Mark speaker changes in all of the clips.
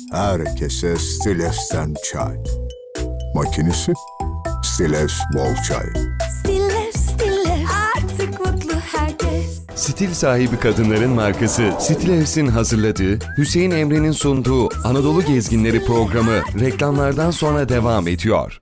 Speaker 1: Herkese Stilevs'ten çay. Makinesi Stilevs bol çay.
Speaker 2: Stiller, artık mutlu herkes.
Speaker 3: Stil sahibi kadınların markası Stilevs'in hazırladığı, Hüseyin Emre'nin sunduğu Anadolu Gezginleri programı reklamlardan sonra devam ediyor.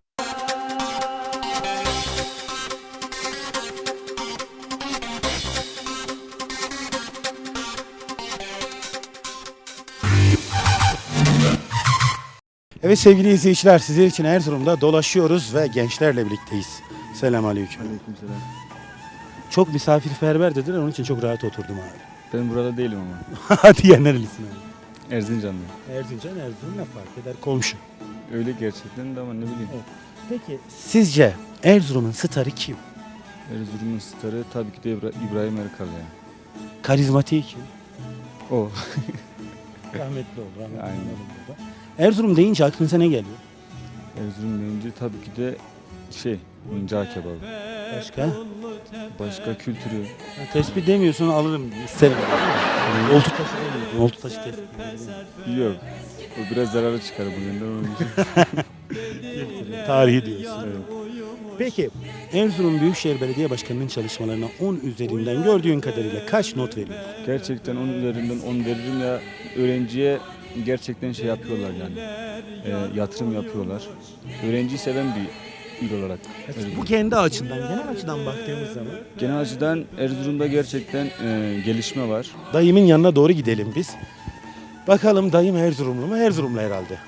Speaker 4: Evet sevgili izleyiciler, sizler için Erzurum'da dolaşıyoruz ve gençlerle birlikteyiz. Selamünaleyküm.
Speaker 5: Aleykümselam.
Speaker 4: Çok misafirperver dediler, onun için çok rahat oturdum abi.
Speaker 5: Ben burada değilim ama.
Speaker 4: Hadi ya, nerelisin abi?
Speaker 5: Erzincanlıyım.
Speaker 4: Erzincan, Erzurum ne fark eder? Komşu.
Speaker 5: Öyle gerçekten de ama ne bileyim.
Speaker 4: Evet. Peki sizce Erzurum'un starı kim?
Speaker 5: Erzurum'un starı tabii ki de İbrahim Erkal ya.
Speaker 4: Karizmatiği kim?
Speaker 5: O.
Speaker 4: Rahmetli oldu. Rahmetli
Speaker 5: Aynen.
Speaker 4: oldu. Erzurum deyince aklınıza ne geliyor?
Speaker 5: Erzurum deyince tabii ki de cağ kebabı.
Speaker 4: Başka?
Speaker 5: Başka kültürü.
Speaker 4: Tespih demiyorsun, alırım. İsterim. Oltu taşı demiyorsun. Oltu taşı tespih.
Speaker 5: Yok. O biraz zararı çıkar bugünden onun için.
Speaker 4: Tarihi diyorsun.
Speaker 5: Evet.
Speaker 4: Peki Erzurum Büyükşehir Belediye Başkanı'nın çalışmalarına 10 üzerinden gördüğün kadarıyla kaç not veriyorsun?
Speaker 5: Gerçekten 10 üzerinden 10 veririm ya, öğrenciye gerçekten yapıyorlar yani. Yatırım yapıyorlar. Öğrenciyi seven bir il olarak.
Speaker 4: Bu kendi açından, genel açıdan baktığımız zaman.
Speaker 5: Genel açıdan Erzurum'da gerçekten gelişme var.
Speaker 4: Dayımın yanına doğru gidelim biz. Bakalım dayım Erzurumlu mu? Erzurumlu herhalde.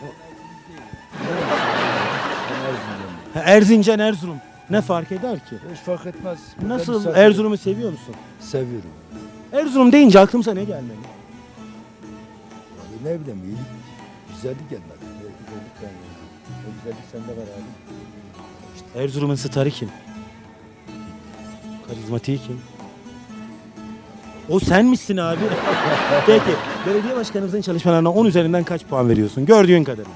Speaker 4: Ha, Erzincan, Erzurum. Ne fark eder ki?
Speaker 6: Hiç fark etmez.
Speaker 4: Nasıl, Erzurum'u seviyor musun?
Speaker 6: Seviyorum.
Speaker 4: Erzurum deyince aklımıza ne gelmeli?
Speaker 6: Yani ne bileyim iyilik, güzellik gelmez. Güzellik gelmez. O güzellik sende var abi.
Speaker 4: Erzurum'un starı kim? Karizmatiği kim? O sen misin abi? Peki, belediye başkanımızın çalışmalarına 10 üzerinden kaç puan veriyorsun? Gördüğün kadarıyla.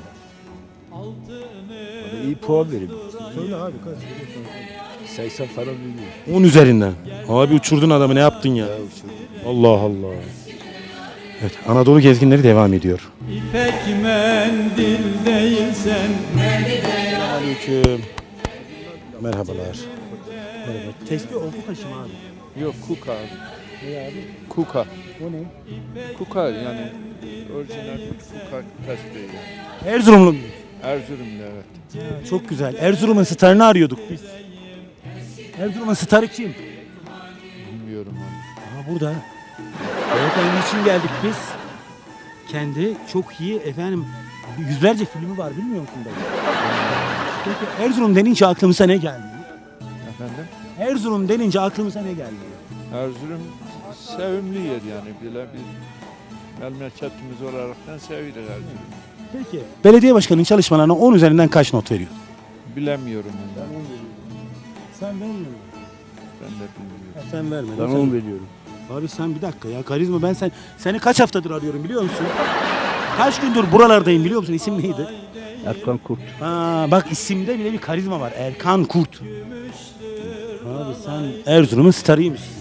Speaker 6: Bana iyi puan verin.
Speaker 4: Söyle abi kaç?
Speaker 6: 80 falan veriyor.
Speaker 4: 10 üzerinden. Abi uçurdun adamı, ne yaptın ya? Allah Allah. Evet, Anadolu gezginleri devam ediyor.
Speaker 7: İpek mendil değilsen
Speaker 4: Aleyküm. Merhabalar. Merhaba. Tespih oldu taşı mı abi?
Speaker 8: Yok kuka.
Speaker 4: Ne abi?
Speaker 8: Kuka.
Speaker 4: O ne?
Speaker 8: Kuka yani orijinal bir kuka tasfiye.
Speaker 4: Erzurumlu muyuz?
Speaker 8: Erzurum'da evet.
Speaker 4: Çok güzel. Erzurum'un starını arıyorduk biz. Erzurum'un starı kim?
Speaker 8: Bilmiyorum onu.
Speaker 4: Aha burada. Beyefendi için geldik biz. Kendi çok iyi efendim, yüzlerce filmi var, bilmiyor musun dayı? Peki Erzurum denince aklımıza ne geldi?
Speaker 8: Efendim?
Speaker 4: Erzurum denince aklımıza ne geldi?
Speaker 8: Erzurum sevimli yer yani. Böyle bir memleketimiz olaraktan sevilir Erzurum.
Speaker 4: Peki belediye başkanının çalışmalarına 10 üzerinden kaç not veriyor?
Speaker 8: Bilemiyorum onu.
Speaker 4: Sen vermiyor musun?
Speaker 8: Ben de bilmiyorum.
Speaker 4: Sen verme.
Speaker 6: Ben 10 veriyorum.
Speaker 4: Abi sen bir dakika ya, karizma, ben seni kaç haftadır arıyorum biliyor musun? Kaç gündür buralardayım biliyor musun? İsim neydi?
Speaker 6: Erkan Kurt.
Speaker 4: Ha, bak isimde bile bir karizma var. Erkan Kurt. Abi sen Erzurum'un starıymışsın.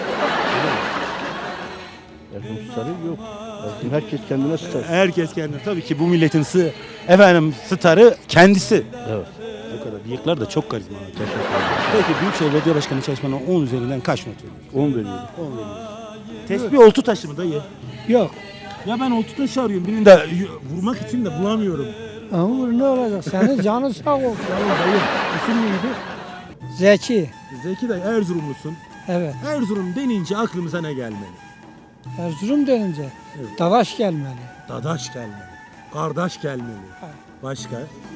Speaker 6: Erkan Sarı yok. Herkes kendine tutar.
Speaker 4: Herkes kendine. Tabii ki bu milletin starı kendisi.
Speaker 6: Evet.
Speaker 4: O kadar. Bıyıklar da çok karizma. Peki Büyükşehir Belediye Başkanı çalışmalarına 10 üzerinden kaç not veriyorsun?
Speaker 6: 10 veriyorum.
Speaker 4: 10 veriyorsun. Tespih oltu taşı mı dayı?
Speaker 6: Yok.
Speaker 4: Ya ben oltu taşı arıyorum. Birini de vurmak için de bulamıyorum.
Speaker 9: Ama ne olacak? Senin canın sağ olsun.
Speaker 4: Dayı isim neydi?
Speaker 9: Zeki.
Speaker 4: Zeki dayı, Erzurumlusun.
Speaker 9: Evet.
Speaker 4: Erzurum denince aklımıza ne gelmeli?
Speaker 9: Erzurum denince
Speaker 4: Evet.
Speaker 9: Dadaş gelmeli.
Speaker 4: Dadaş gelmeli. Kardeş gelmeli. Başka?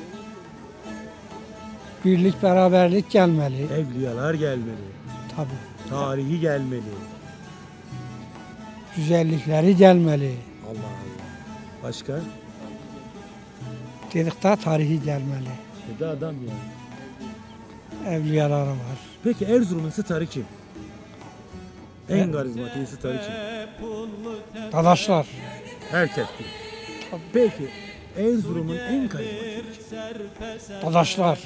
Speaker 9: Birlik beraberlik gelmeli.
Speaker 4: Evliyalar gelmeli.
Speaker 9: Tabii.
Speaker 4: Tarihi gelmeli.
Speaker 9: Güzellikleri gelmeli.
Speaker 4: Allah Allah. Başka?
Speaker 9: Dedik de tarihi gelmeli.
Speaker 4: Dedi adam ya.
Speaker 9: Evliyaları var.
Speaker 4: Peki Erzurum'un starı kim? En karizmatik starı kim?
Speaker 9: Dadaşlar.
Speaker 4: Herkes bilir. Peki Erzurum'un en karizmatik kim?
Speaker 9: Dadaşlar.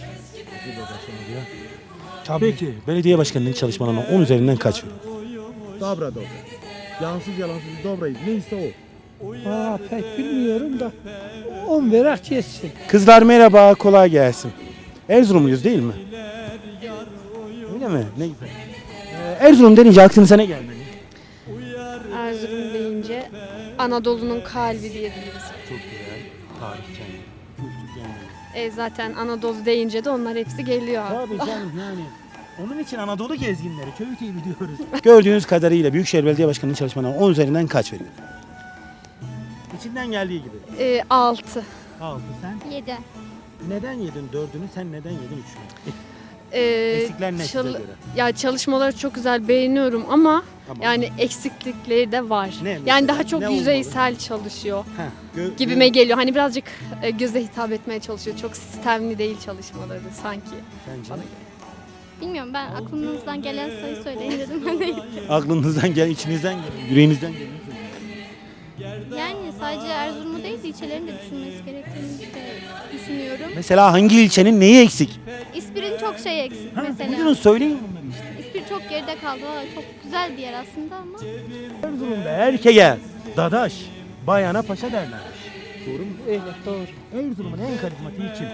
Speaker 9: Tabii.
Speaker 4: Peki belediye başkanının çalışmalarına 10 üzerinden kaç veriyor? Dobra dobra. Yansız yalansız dobrayız. Neyse o.
Speaker 9: Valla pek bilmiyorum da 10 verak geçsin.
Speaker 4: Kızlar merhaba, kolay gelsin. Erzurumluyuz değil mi? Öyle mi? Ne güzel. Erzurum denince aklınıza ne gelmeli?
Speaker 10: Erzurum deyince Anadolu'nun kalbi diyebiliriz.
Speaker 4: Çok güzel. Tarih kendi, kültür kendi.
Speaker 10: Zaten Anadolu deyince de onlar hepsi geliyor.
Speaker 4: Tabii canım yani. Onun için Anadolu gezginleri, köy TV diyoruz. Gördüğünüz kadarıyla Büyükşehir Belediye Başkanı'nın çalışmalarına 10 üzerinden kaç veriyorsun? İçinden geldiği gibi.
Speaker 10: 6.
Speaker 4: 6 sen.
Speaker 2: 7.
Speaker 4: Neden yedin 4'ünü, sen neden yedin 3'ünü? Eksikler ne size göre?
Speaker 10: Ya çalışmaları çok güzel beğeniyorum ama
Speaker 4: Tamam.
Speaker 10: yani eksiklikleri de var.
Speaker 4: Ne mesela?
Speaker 10: Yani daha çok
Speaker 4: Ne
Speaker 10: yüzeysel çalışıyor
Speaker 4: Heh,
Speaker 10: gibime geliyor. Hani birazcık göze hitap etmeye çalışıyor. Çok sistemli değil çalışmaları sanki.
Speaker 4: Sence?
Speaker 10: Bana göre.
Speaker 2: Bilmiyorum, ben aklınızdan gelen sayı söyleyin dedim. Ben de
Speaker 4: Aklınızdan gel, içinizden gel, yüreğinizden gel.
Speaker 2: yani sadece Erzurum'u değil de ilçelerini de düşünmesi gerektiğini de düşünüyorum.
Speaker 4: Mesela hangi ilçenin neyi eksik?
Speaker 2: İspir'in çok şey eksik
Speaker 4: Buyurun
Speaker 2: mesela.
Speaker 4: söyleyin bunları işte.
Speaker 2: İspir çok geride kaldı. Valla çok güzel bir yer aslında ama.
Speaker 4: Erzurum'da erkeğe dadaş, bayana paşa derler. Doğru mu?
Speaker 9: Evet doğru.
Speaker 4: Erzurum'un en karizmatiği kim?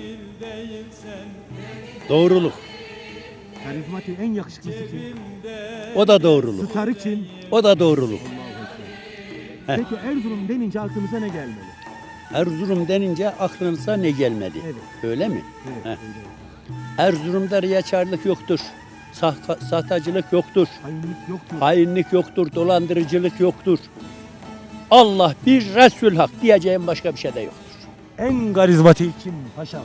Speaker 6: Doğruluk.
Speaker 4: Karizmatiği en yakışıklısı kim?
Speaker 6: O da doğruluk.
Speaker 4: Starı kim?
Speaker 6: O da doğruluk.
Speaker 4: Peki Erzurum denince aklımıza ne gelmeli?
Speaker 6: Erzurum denince aklınıza ne gelmedi?
Speaker 4: Evet.
Speaker 6: Öyle mi?
Speaker 4: Evet,
Speaker 6: Heh.
Speaker 4: öyle.
Speaker 6: Erzurum'da riyakarlık yoktur. Sahtacılık yoktur.
Speaker 4: Hainlik yoktur.
Speaker 6: Hainlik yoktur. Dolandırıcılık yoktur. Allah bir Resul Hak diyeceğim başka bir şey de yoktur.
Speaker 4: En karizmatiği kim paşam?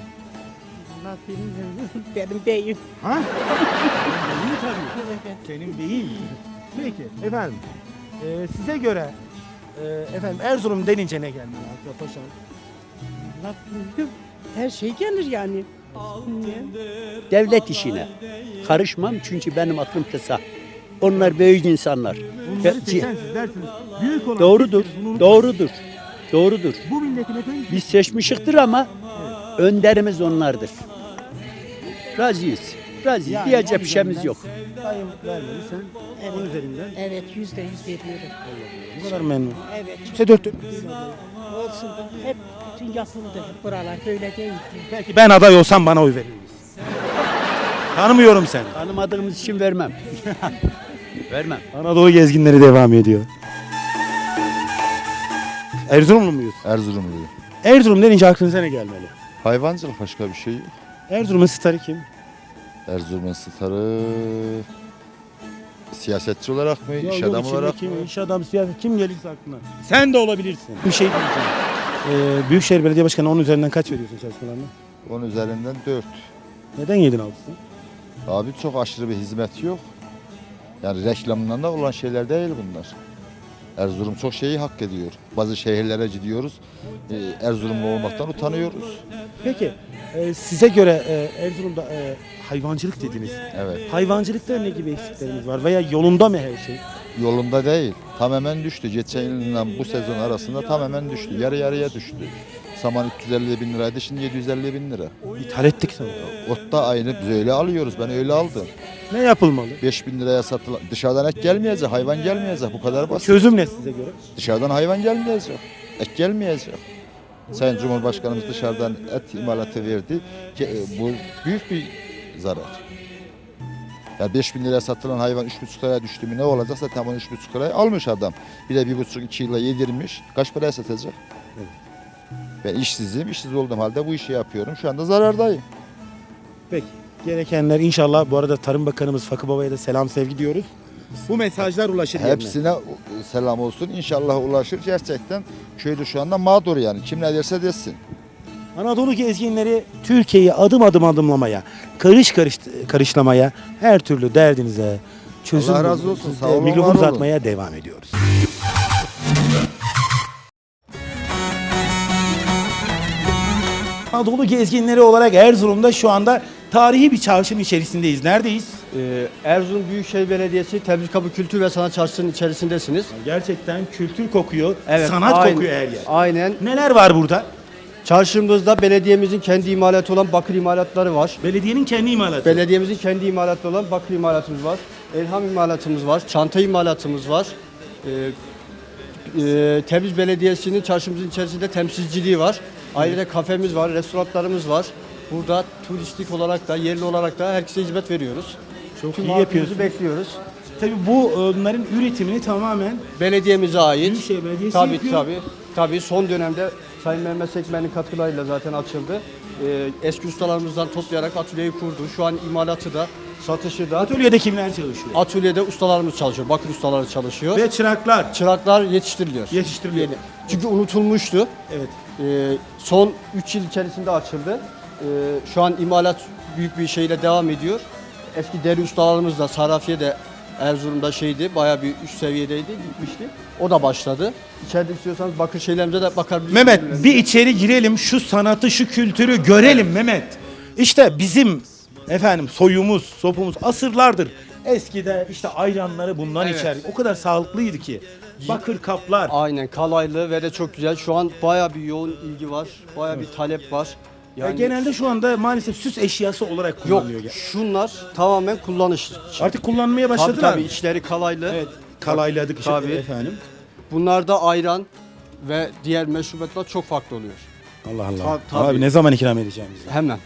Speaker 9: Benim beyim.
Speaker 4: Ha? Beyin tabii. Senin beyin. Peki efendim. Size göre efendim Erzurum denince ne gelmeli akla paşam?
Speaker 9: Her şey gelir yani.
Speaker 6: Devlet işine karışmam çünkü benim aklım kısa. Onlar büyük insanlar.
Speaker 4: Bunları seçen sizlersiniz. Büyük olan
Speaker 6: Doğrudur.
Speaker 4: sizsiniz, bunu unutmayın.
Speaker 6: Doğrudur. Doğrudur.
Speaker 4: Bu milletin efendim
Speaker 6: Biz seçmişiktir ama önderimiz onlardır. Razıyız. Razıyız.
Speaker 4: Yani
Speaker 6: Diyecek
Speaker 4: on
Speaker 6: bir şeyimiz
Speaker 4: üzerinden
Speaker 6: yok.
Speaker 4: sayım vermeli sen. Evet. üzerinden.
Speaker 9: Evet %100 veriyorum.
Speaker 4: Bu kadar memnun.
Speaker 9: Evet.
Speaker 4: Kimse dört dört.
Speaker 9: Olsun da hep bütün yapıldı. Buralar böyle değil.
Speaker 4: Peki ben aday olsam bana oy verir misin? Tanımıyorum seni.
Speaker 6: Tanımadığımız için vermem. Vermem.
Speaker 4: Anadolu gezginleri devam ediyor. Erzurumlu muyuz?
Speaker 11: Erzurumluyum.
Speaker 4: Erzurum denince aklınıza ne gelmeli?
Speaker 11: Hayvancılık başka bir şey yok.
Speaker 4: Erzurum'un starı kim?
Speaker 11: Erzurum'un starı siyasetçi olarak mı, iş
Speaker 4: Yok,
Speaker 11: adamı
Speaker 4: içinde
Speaker 11: olarak mı?
Speaker 4: kim? İş adamı, siyaset kim gelirse aklına. Sen de olabilirsin. Bir şey diyeceğim. Büyükşehir Belediye Başkanı 10 üzerinden kaç veriyorsun çalışmalarına?
Speaker 11: 10 üzerinden 4.
Speaker 4: Neden 7'in altısın?
Speaker 11: Abi çok aşırı bir hizmet yok. Yani reklamından da olan şeyler değil bunlar. Erzurum çok şeyi hak ediyor. Bazı şehirlere gidiyoruz. Erzurumlu olmaktan utanıyoruz.
Speaker 4: Peki size göre Erzurum'da hayvancılık dediniz.
Speaker 11: Evet.
Speaker 4: Hayvancılıkta ne gibi eksiklerimiz var veya yolunda mı her şey?
Speaker 11: Yolunda değil. Tamamen düştü. Geçen yılından bu sezon arasında tamamen düştü. Yarı yarıya düştü. Saman 350 bin liraydı, şimdi 750 bin lira.
Speaker 4: İthal ettik sanırım.
Speaker 11: Ot da aynı, biz öyle alıyoruz. Ben öyle aldım.
Speaker 4: Ne yapılmalı?
Speaker 11: 5 bin liraya satılan, dışarıdan et gelmeyecek, hayvan gelmeyecek. Bu kadar basit.
Speaker 4: Çözüm ne size göre?
Speaker 11: Dışarıdan hayvan gelmeyecek, et gelmeyecek. Sayın Cumhurbaşkanımız dışarıdan et imalatı verdi. Bu büyük bir zarar. Yani 5 bin liraya satılan hayvan 3,5 liraya düştü mü ne olacaksa tam onu 3,5 liraya almış adam. Bir de 1,5-2 yılla yedirmiş. Kaç paraya satacak?
Speaker 4: Evet.
Speaker 11: Ben işsizim, işsiz olduğum halde bu işi yapıyorum. Şu anda zarardayım.
Speaker 4: Peki. Gerekenler inşallah, bu arada Tarım Bakanımız Fakı Baba'ya da selam sevgi diyoruz. Bu mesajlar ulaşır yerine.
Speaker 11: Hepsine selam olsun. İnşallah ulaşır. Gerçekten köyde şu anda mağdur yani. Kim ne derse desin.
Speaker 4: Anadolu gezginleri Türkiye'yi adım adım adımlamaya, karışlamaya, her türlü derdinize çözüm
Speaker 11: Allah razı olsun. Sağ olun, var
Speaker 4: mikrofon
Speaker 11: olun.
Speaker 4: uzatmaya devam ediyoruz. Anadolu gezginleri olarak Erzurum'da şu anda tarihi bir çarşının içerisindeyiz. Neredeyiz?
Speaker 12: Erzurum Büyükşehir Belediyesi Tebrik Kapı Kültür ve Sanat Çarşısı'nın içerisindesiniz.
Speaker 4: Gerçekten kültür kokuyor,
Speaker 12: Evet,
Speaker 4: sanat
Speaker 12: aynen,
Speaker 4: kokuyor her yer.
Speaker 12: Aynen.
Speaker 4: Neler var burada?
Speaker 12: Çarşımızda belediyemizin kendi imalatı olan bakır imalatları var.
Speaker 4: Belediyenin kendi imalatı.
Speaker 12: Belediyemizin kendi imalatı olan bakır imalatımız var. Elham imalatımız var. Çanta imalatımız var. Tebriz Belediyesi'nin çarşımızın içerisinde temsilciliği var. Ayrıca kafemiz var, restoranlarımız var. Burada turistik olarak da, yerli olarak da herkese hizmet veriyoruz.
Speaker 4: Çok
Speaker 12: Tüm
Speaker 4: iyi
Speaker 12: halkımızı
Speaker 4: yapıyorsunuz.
Speaker 12: bekliyoruz.
Speaker 4: Tabii bunların üretimini tamamen
Speaker 12: Belediyemize ait.
Speaker 4: Büyükşehir Belediyesi
Speaker 12: Tabii
Speaker 4: yapıyor.
Speaker 12: tabii son dönemde Sayın Mehmet Sekmen'in katkılarıyla zaten açıldı. Eski ustalarımızdan toplayarak atölyeyi kurdu. Şu an imalatı da, satışı da.
Speaker 4: atölyede kimler çalışıyor?
Speaker 12: Atölyede ustalarımız çalışıyor, bakır ustaları çalışıyor.
Speaker 4: Ve çıraklar
Speaker 12: Çıraklar yetiştiriliyor.
Speaker 4: yetiştiriliyor.
Speaker 12: Çünkü unutulmuştu.
Speaker 4: Evet.
Speaker 12: Son 3 yıl içerisinde açıldı. Şu an imalat büyük bir şeyle devam ediyor. Eski deri ustalarımız da Sarafiye'de, Erzurum'da bayağı bir üst seviyedeydi, gitmişti. O da başladı. İçeride istiyorsanız bakır şeylerimize de bakabilirsiniz.
Speaker 4: Mehmet bir içeri girelim, şu sanatı, şu kültürü görelim Mehmet. İşte bizim soyumuz, sopumuz asırlardır. Eskide işte ayranları bundan içer. O kadar sağlıklıydı ki. Bakır kaplar.
Speaker 12: Aynen, kalaylı ve de çok güzel. Şu an bayağı bir yoğun ilgi var. Bayağı bir talep var. Yani
Speaker 4: Genelde şu anda maalesef süs eşyası olarak
Speaker 12: yok,
Speaker 4: kullanılıyor.
Speaker 12: şunlar tamamen kullanış.
Speaker 4: Artık kullanmaya başladılar.
Speaker 12: Tabii içleri kalaylı.
Speaker 4: Evet, kalayladık işte
Speaker 12: Tabii.
Speaker 4: efendim.
Speaker 12: Bunlarda ayran ve diğer meşrubatlar çok farklı oluyor.
Speaker 4: Allah Allah.
Speaker 12: Tabii.
Speaker 4: Abi ne zaman ikram edeceğim bize?
Speaker 12: Hemen.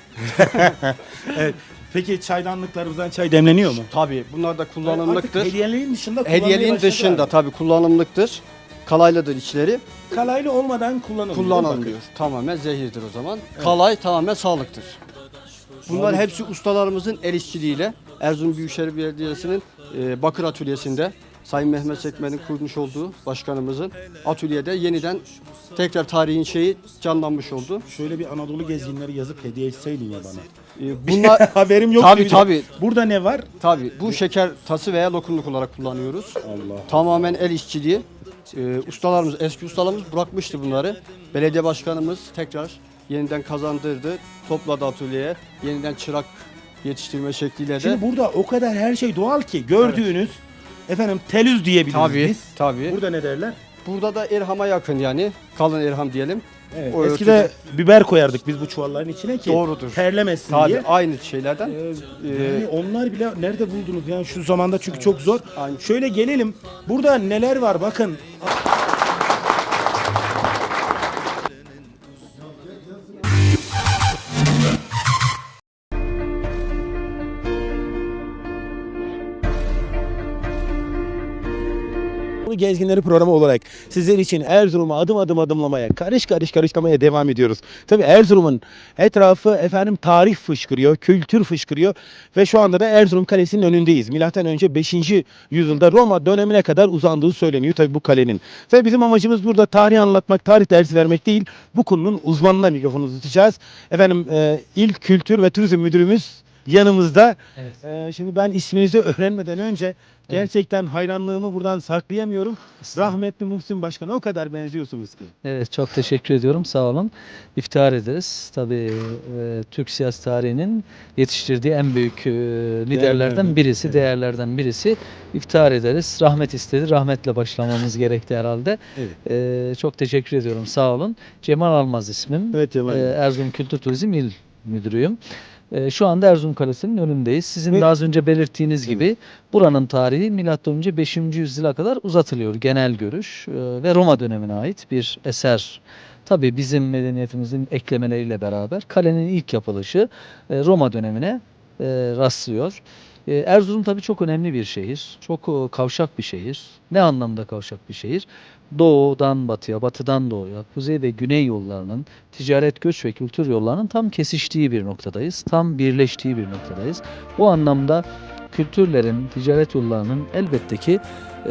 Speaker 4: Evet. Peki çaydanlıklarımızdan çay demleniyor mu?
Speaker 12: Tabii bunlar da kullanımlıktır.
Speaker 4: Artık hediyeliğin dışında kullanmaya
Speaker 12: Hediyeliğin
Speaker 4: başladılar.
Speaker 12: dışında tabii kullanımlıktır. Kalaylıdır içleri.
Speaker 4: Kalaylı olmadan kullanılmıyor.
Speaker 12: Kullanılmıyor. Tamamen zehirdir o zaman. Kalay tamamen sağlıktır. Bunlar hepsi ustalarımızın el işçiliğiyle Erzurum Büyükşehir Belediyesi'nin bakır atölyesinde Sayın Mehmet Sekmen'in kurmuş olduğu başkanımızın atölyede yeniden tekrar tarihin canlanmış oldu.
Speaker 4: Şöyle bir Anadolu gezginleri yazıp hediye etseydin ya bana.
Speaker 12: Bunlar
Speaker 4: Haberim yok.
Speaker 12: tabii.
Speaker 4: Burada ne var?
Speaker 12: Tabii bu şeker tası veya lokumluk olarak kullanıyoruz.
Speaker 4: Allah.
Speaker 12: Tamamen el işçiliği. Ustalarımız, eski ustalarımız bırakmıştı bunları. Belediye başkanımız tekrar yeniden kazandırdı. Topladı atölyeye. Yeniden çırak yetiştirme şekliyle de.
Speaker 4: Şimdi burada o kadar her şey doğal ki gördüğünüz telüz diyebiliriz biz.
Speaker 12: Tabii.
Speaker 4: Burada ne derler?
Speaker 12: Burada da irhama yakın yani. Kalın irham diyelim.
Speaker 4: Evet.
Speaker 12: O
Speaker 4: Eskide biber koyardık biz bu çuvalların içine ki
Speaker 12: Doğrudur.
Speaker 4: terlemesin
Speaker 12: Tabii
Speaker 4: diye.
Speaker 12: aynı şeylerden.
Speaker 4: Yani onlar bile nerede buldunuz yani şu zamanda çünkü çok zor.
Speaker 12: Aynı.
Speaker 4: Şöyle gelelim. Burada neler var bakın. Gezginleri programı olarak sizler için Erzurum'u adım adım adımlamaya, karışlamaya devam ediyoruz. Tabii Erzurum'un etrafı tarih fışkırıyor, kültür fışkırıyor ve şu anda da Erzurum Kalesi'nin önündeyiz. Milattan önce 5. yüzyılda Roma dönemine kadar uzandığı söyleniyor tabii bu kalenin. Ve bizim amacımız burada tarih anlatmak, tarih dersi vermek değil, bu konunun uzmanına mikrofonu tutacağız. İl Kültür ve Turizm Müdürümüz yanımızda.
Speaker 13: Evet.
Speaker 4: Şimdi ben isminizi öğrenmeden önce gerçekten hayranlığımı buradan saklayamıyorum. Rahmetli Muhsin Başkan'a o kadar benziyorsunuz ki.
Speaker 13: Evet, çok teşekkür ediyorum. Sağ olun. İftihar ederiz. Tabii Türk siyasi tarihinin yetiştirdiği en büyük liderlerden birisi,
Speaker 4: evet.
Speaker 13: değerlerden birisi. İftihar ederiz. Rahmet istedi. Rahmetle başlamamız gerekti herhalde.
Speaker 4: Evet.
Speaker 13: Çok teşekkür ediyorum. Sağ olun. Cemal Almaz ismim.
Speaker 4: Evet Cemal.
Speaker 13: Erzurum Kültür Turizm İl Müdürüyüm. Şu anda Erzurum Kalesi'nin önündeyiz. Sizin de az önce belirttiğiniz gibi buranın tarihi M.Ö. 5. yüzyıla kadar uzatılıyor. Genel görüş ve Roma dönemine ait bir eser. Tabii bizim medeniyetimizin eklemeleriyle beraber kalenin ilk yapılışı Roma dönemine rastlıyor. Erzurum tabii çok önemli bir şehir. Çok kavşak bir şehir. Ne anlamda kavşak bir şehir? Doğudan batıya, batıdan doğuya, kuzey ve güney yollarının, ticaret, göç ve kültür yollarının tam kesiştiği bir noktadayız. Tam birleştiği bir noktadayız. Bu anlamda kültürlerin, ticaret yollarının elbette ki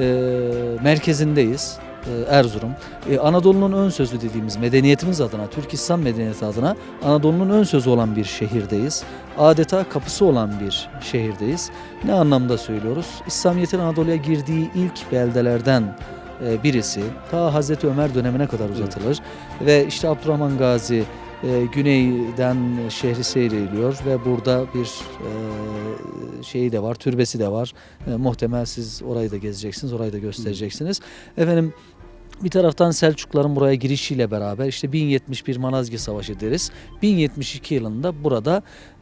Speaker 13: merkezindeyiz. Erzurum. Anadolu'nun ön sözü dediğimiz medeniyetimiz adına, Türk İslam medeniyeti adına Anadolu'nun ön sözü olan bir şehirdeyiz. Adeta kapısı olan bir şehirdeyiz. Ne anlamda söylüyoruz? İslamiyet'in Anadolu'ya girdiği ilk beldelerden birisi. Ta Hazreti Ömer dönemine kadar uzatılır. Ve işte Abdurrahman Gazi güneyden şehri seyrediyor ve burada bir şeyi de var, türbesi de var. Muhtemel siz orayı da gezeceksiniz, orayı da göstereceksiniz. Bir taraftan Selçukluların buraya girişiyle beraber işte 1071 Malazgirt Savaşı deriz. 1072 yılında burada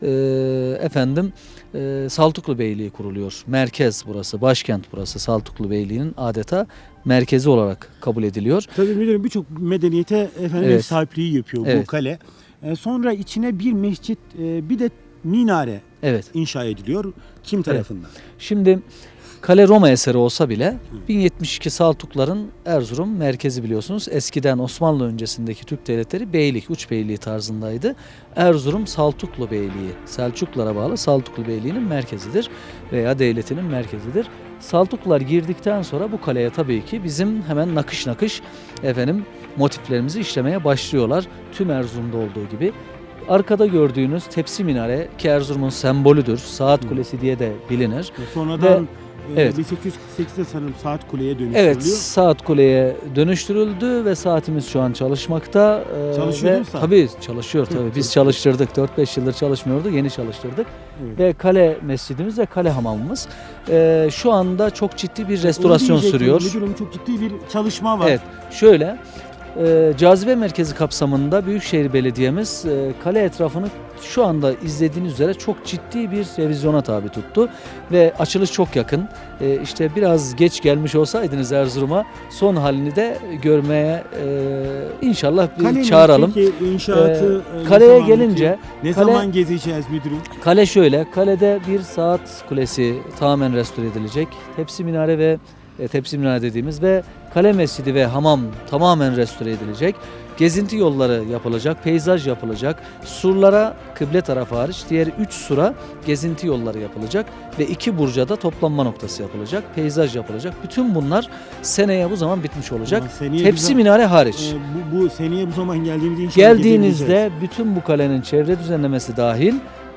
Speaker 13: Saltuklu Beyliği kuruluyor. Merkez burası, başkent burası. Saltuklu Beyliği'nin adeta merkezi olarak kabul ediliyor.
Speaker 4: Tabii müdürüm birçok medeniyete efendim ev sahipliği yapıyor bu
Speaker 13: Evet.
Speaker 4: kale. Sonra içine bir mescit, bir de minare
Speaker 13: Evet.
Speaker 4: inşa ediliyor. Kim tarafından?
Speaker 13: Şimdi kale Roma eseri olsa bile 1072 Saltukların Erzurum merkezi biliyorsunuz. Eskiden Osmanlı öncesindeki Türk devletleri beylik, uç beyliği tarzındaydı. Erzurum Saltuklu Beyliği, Selçuklulara bağlı Saltuklu Beyliği'nin merkezidir veya devletinin merkezidir. Saltuklular girdikten sonra bu kaleye tabii ki bizim hemen nakış nakış motiflerimizi işlemeye başlıyorlar. Tüm Erzurum'da olduğu gibi. Arkada gördüğünüz tepsi minare ki Erzurum'un sembolüdür. Saat Kulesi diye de bilinir.
Speaker 4: Sonradan
Speaker 13: evet.
Speaker 4: 1848'de sanırım Saat Kule'ye dönüştürülüyor.
Speaker 13: Evet, Saat Kule'ye dönüştürüldü ve saatimiz şu an çalışmakta.
Speaker 4: Çalışıyor değil mi saat?
Speaker 13: Tabii çalışıyor tabii. Biz çalıştırdık. 4-5 yıldır çalışmıyordu. Yeni çalıştırdık.
Speaker 4: Evet.
Speaker 13: Ve kale mescidimiz ve kale hamamımız. Şu anda çok ciddi bir restorasyon sürüyor.
Speaker 4: Müdürüm çok ciddi bir çalışma var.
Speaker 13: Evet, şöyle cazibe merkezi kapsamında Büyükşehir Belediye'miz kale etrafını şu anda izlediğiniz üzere çok ciddi bir revizyona tabi tuttu ve açılış çok yakın. İşte biraz geç gelmiş olsaydınız Erzurum'a son halini de görmeye inşallah bir
Speaker 4: Kalenin
Speaker 13: çağıralım.
Speaker 4: peki inşaatı
Speaker 13: Kaleye gelince
Speaker 4: zaman gezeceğiz müdürüm?
Speaker 13: Kale şöyle, kalede bir saat kulesi tamamen restore edilecek. Tepsi minare ve tepsi minare dediğimiz ve kale mescidi ve hamam tamamen restore edilecek. Gezinti yolları yapılacak, peyzaj yapılacak. Surlara kıble tarafı hariç diğer 3 sura gezinti yolları yapılacak ve 2 burca da toplanma noktası yapılacak. Peyzaj yapılacak. Bütün bunlar seneye bu zaman bitmiş olacak. Tepsi minare hariç.
Speaker 4: Bu seneye bu zaman geldiğimizde inşallah
Speaker 13: Geldiğinizde bütün bu kalenin çevre düzenlemesi dahil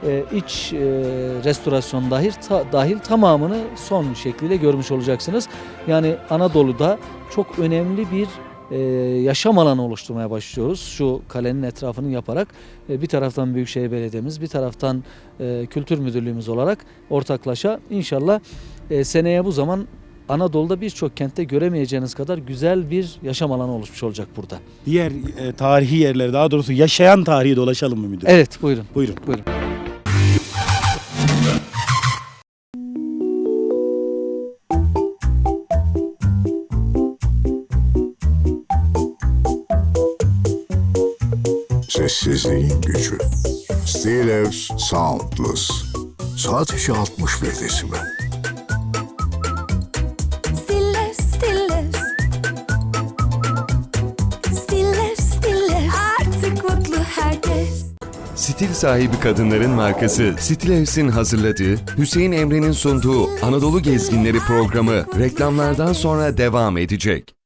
Speaker 13: iç restorasyon dahil tamamını son şekliyle görmüş olacaksınız. Yani Anadolu'da çok önemli bir yaşam alanı oluşturmaya başlıyoruz. Şu kalenin etrafını yaparak bir taraftan Büyükşehir Belediye'miz, bir taraftan Kültür Müdürlüğümüz olarak ortaklaşa inşallah seneye bu zaman Anadolu'da birçok kentte göremeyeceğiniz kadar güzel bir yaşam alanı oluşmuş olacak burada.
Speaker 4: Diğer tarihi yerlere, daha doğrusu yaşayan tarihi dolaşalım mı müdürüm?
Speaker 13: Evet, buyurun.
Speaker 4: Buyurun.
Speaker 13: Buyurun.
Speaker 1: Sessizliğin gücü. Steelers Soundless. Sadece 61 desibel.
Speaker 3: Stil sahibi kadınların markası Stilevs'in hazırladığı, Hüseyin Emre'nin sunduğu Anadolu Gezginleri programı reklamlardan sonra devam edecek.